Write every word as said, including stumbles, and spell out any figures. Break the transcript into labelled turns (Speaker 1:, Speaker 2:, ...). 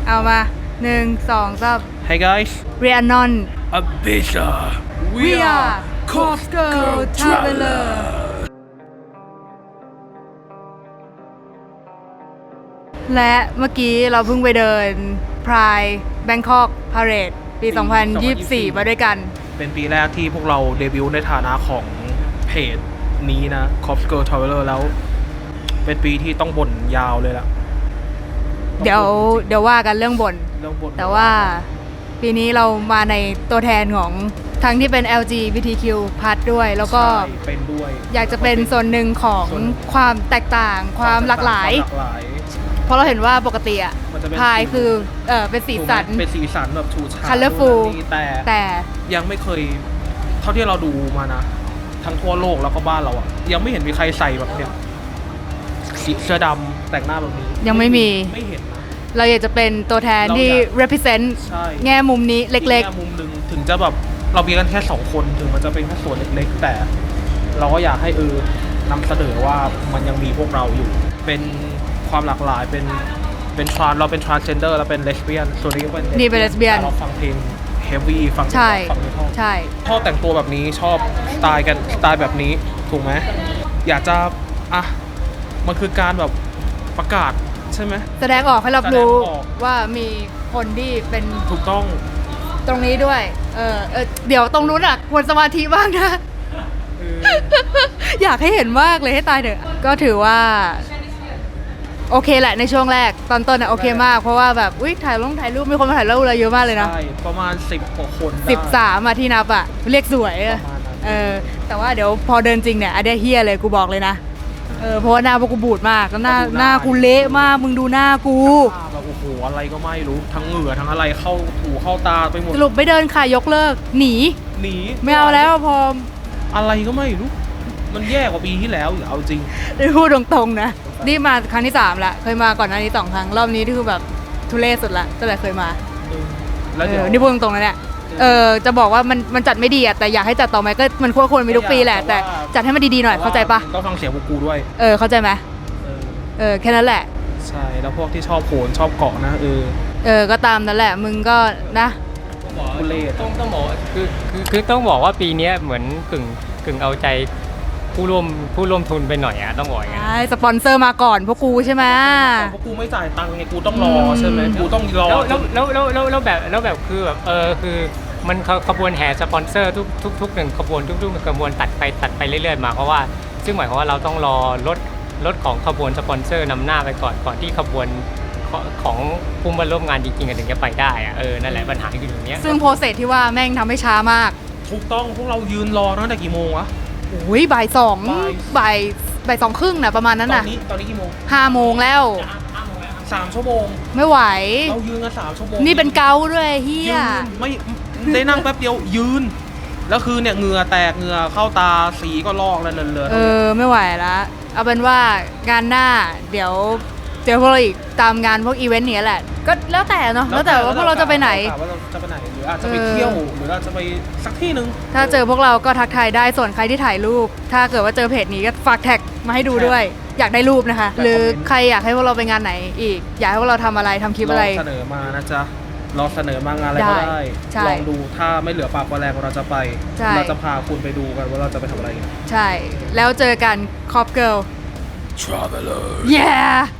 Speaker 1: เอามาหนึ่งสองสาม
Speaker 2: Hey guys
Speaker 1: Rhiannon
Speaker 2: Ibiza
Speaker 1: We are Cop Girl Traveler และเมื่อกี้เราเพิ่งไปเดิน Pride Bangkok Parade ปี สองพันยี่สิบสี่ มาด้วยกัน
Speaker 2: เป็นปีแรกที่พวกเราเดบิวต์ในฐานะของเพจนี้นะ Cop Girl Traveler แล้วเป็นปีที่ต้องบ่นยาวเลยล่ะ
Speaker 1: เดี๋ยวเดี๋ยวว่ากันเรื่องบ่นแต่ว่าปีนี้เรามาในตัวแทนของทั้งที่เป็น แอล จี บี ที คิว พลัส ด้วยแล้วก็
Speaker 2: เป็นด้วย
Speaker 1: อยากจะเป็นส่วนหนึ่งของความแตกต่างความหลากหลายเพราะเราเห็นว่าปกติอะพายคือเออเป็นสีสัน
Speaker 2: เป็นสีสันแบบชูชา
Speaker 1: colorful
Speaker 2: แต่
Speaker 1: แต่
Speaker 2: ยังไม่เคยเท่าที่เราดูมานะทั้งทั่วโลกแล้วก็บ้านเราอะยังไม่เห็นมีใครใส่แบบเนี้ยสีเสื้อดำแต่งหน้าแบบนี้
Speaker 1: ยังไม่มี
Speaker 2: ไม่เห็นนะ
Speaker 1: เราอยากจะเป็นตัวแทนที่ represent แง่มุมนี้เล็กๆ
Speaker 2: แง่มุมหนึ่งถึงจะแบบเรามีกันแค่สองคนถึงมันจะเป็นแค่ส่วนเล็กๆแต่เราก็อยากให้เออนำเสนอว่ามันยังมีพวกเราอยู่เป็นความหลากหลายเป็นเป็นทรานเราเป็น transgender เราเป็นเลสเบี้ยนส่วนนี้เป็น
Speaker 1: นี่เป็นเลสเบี้ยน
Speaker 2: เราฟังเพลง heavy ฟัง
Speaker 1: ใช่
Speaker 2: ฟังเมทัล
Speaker 1: ใช่
Speaker 2: ชอบแต่งตัวแบบนี้ชอบสไตล์กันสไตล์แบบนี้ถูกไหมอยากจะอ่ะมันคือการแบบประกาศใช่ไหม
Speaker 1: แสดงออกให้รับรู้ว่ามีคนที่เป็น
Speaker 2: ถูกต้อง
Speaker 1: ตรงนี้ด้วยเออเออเดี๋ยวตรงนู้นอ่ะควรสมาธิบ้างนะอยากให้เห็นมากเลยให้ตายเถอะก็ถือว่าโอเคแหละในช่วงแรกตอนต้นอ่ะโอเคมากเพราะว่าแบบอุ้ยถ่ายลงถ่ายรูปมีคนมาถ่ายรูปเราเยอะมากเลยนะ
Speaker 2: ใช่ประมาณสิบกว่าคน
Speaker 1: สิบสามอ่ะที่นับอ่ะเรียกสวยเออแต่ว่าเดี๋ยวพอเดินจริงเนี่ยอันเดียเฮียเลยกูบอกเลยนะเออเพราะว่าหน้าพวกกูบูดมากแล้วหน้าหน้ากูเละมากมึงดูหน้ากู
Speaker 2: แบบโอ้โหอะไรก็ไม่รู้ทั้งเหงื่อทั้งอะไรเข้าถูเข้าตาไปหมด
Speaker 1: สรุปไม่เดินค่ะยกเลิกหนี
Speaker 2: หนี
Speaker 1: ไม่เอาแล้วพอ
Speaker 2: อะไรก็ไม่รู้มันแย่กว่าปีที่แล้วอย่าเอาจริง
Speaker 1: ได้พูดตรงๆนะนี่มาครั้งที่สามละเคยมาก่อนหน้านี้สองครั้งรอบนี้ที่คือแบบทุเรศสุดละตั้งแต่เคยมา
Speaker 2: แล้วเดี๋ยว
Speaker 1: นี่พูดตรงๆนะเนี่ยเออจะบอกว่ามันมันจัดไม่ดีอะแต่อยากให้จัดต่อไหมก็มันควรควรมีทุกปีแหละแต่จัดให้มันดีๆหน่อยเข้าใจปะ
Speaker 2: ต้องฟังเสียงพวกกูด้วย
Speaker 1: เออเข้าใจไหมเออแค่นั้นแหละ
Speaker 2: ใช่แล้วพวกที่ชอบโขนชอบเกาะนะเออ
Speaker 1: เออก็ตามนั่นแหละมึงก็นะ
Speaker 2: ทุเรศ
Speaker 3: ต้องต้องบอกคือคือคือต้องบอกว่าปีนี้เหมือนกึ่งกึ่งเอาใจผู้ร่วมผู้ร่วมทุนไปหน่อยอะต้องบอกอย่าง
Speaker 1: งี้ใช่สปอนเซอร์มาก่อนพวกกูใช่ไหม
Speaker 2: พวกกูไม่จ่ายตังค์ไงกูต้องรอใช่ไหมกูต้องรอ
Speaker 3: แล้วแล้วแล้วแล้วแล้วแบบแล้วแบบคือแบบเออคือมันขบวนแห่สปอนเซอร์ทุกทุกทุกหนึ่งขบวนทุกทุกขบวนตัดไปตัดไปเรื่อยๆมาเพราะว่าซึ่งหมายความว่าเราต้องรอรถรถของขบวนสปอนเซอร์นำหน้าไปก่อนก่อนที่ขบวนของผู้มาร่วมงานจริงๆถึงจะไปได้อะเออนั่นแหละปัญหาอยู่ตรงนี้
Speaker 1: ซึ่งโปรเซสที่ว่าแม่งทำให้ช้ามาก
Speaker 2: ถูกต้องพวกเรายืนรอตั้งแต่กี่โมงวะ
Speaker 1: โอ้ยบ่ายสองบ่ายบ่ายสองครึ่งนะประมาณนั้นน่ะ
Speaker 2: ตอนนี้ตอนนี้กี่โมง
Speaker 1: ห้าโมงแล้ว
Speaker 2: สามชั่วโมง
Speaker 1: ไม่ไหว
Speaker 2: เรายืนกันสามชั่วโมง
Speaker 1: นี่เป็นเกาด้วยเฮีย
Speaker 2: ไม่ได้นั่งแป๊บเดียวยืนแล้วคือเนี่ยเหงื่อแตกเหงื่อเข้าตาสีก็ลอกแล้วเลอะ
Speaker 1: เออไม่ไหวละเอาเป็นว่างานหน้าเดี๋ยวเจอพวกเราอีกตามงานพวกอีเวนต์นี้แหละก็แล้วแต่เนาะแล้วแต่ว่าพวกเราจะไปไหน
Speaker 2: ว่าเราจะไปไหนหรืออาจจะไปเที่ยวหรืออาจจะไปสักที่นึง
Speaker 1: ถ้าเจอพวกเราก็ทักทายได้ส่วนใครที่ถ่ายรูปถ้าเกิดว่าเจอเพจนี้ก็ฝากแท็กมาให้ดูด้วยอยากได้รูปนะคะหรือใครอยากให้พวกเราไปงานไหนอีกอยากให้พวกเราทำอะไรทำคลิปอะไร
Speaker 2: เสนอมานะจ๊ะเราเสนอมางานอะไรก็ได้ลองดูถ้าไม่เหลือปากแรงเราจะไปเราจะพาคุณไปดูกันว่าเราจะไปทำอะไร
Speaker 1: ใช่แล้วเจอกัน Cop Girl
Speaker 2: Traveler
Speaker 1: yeah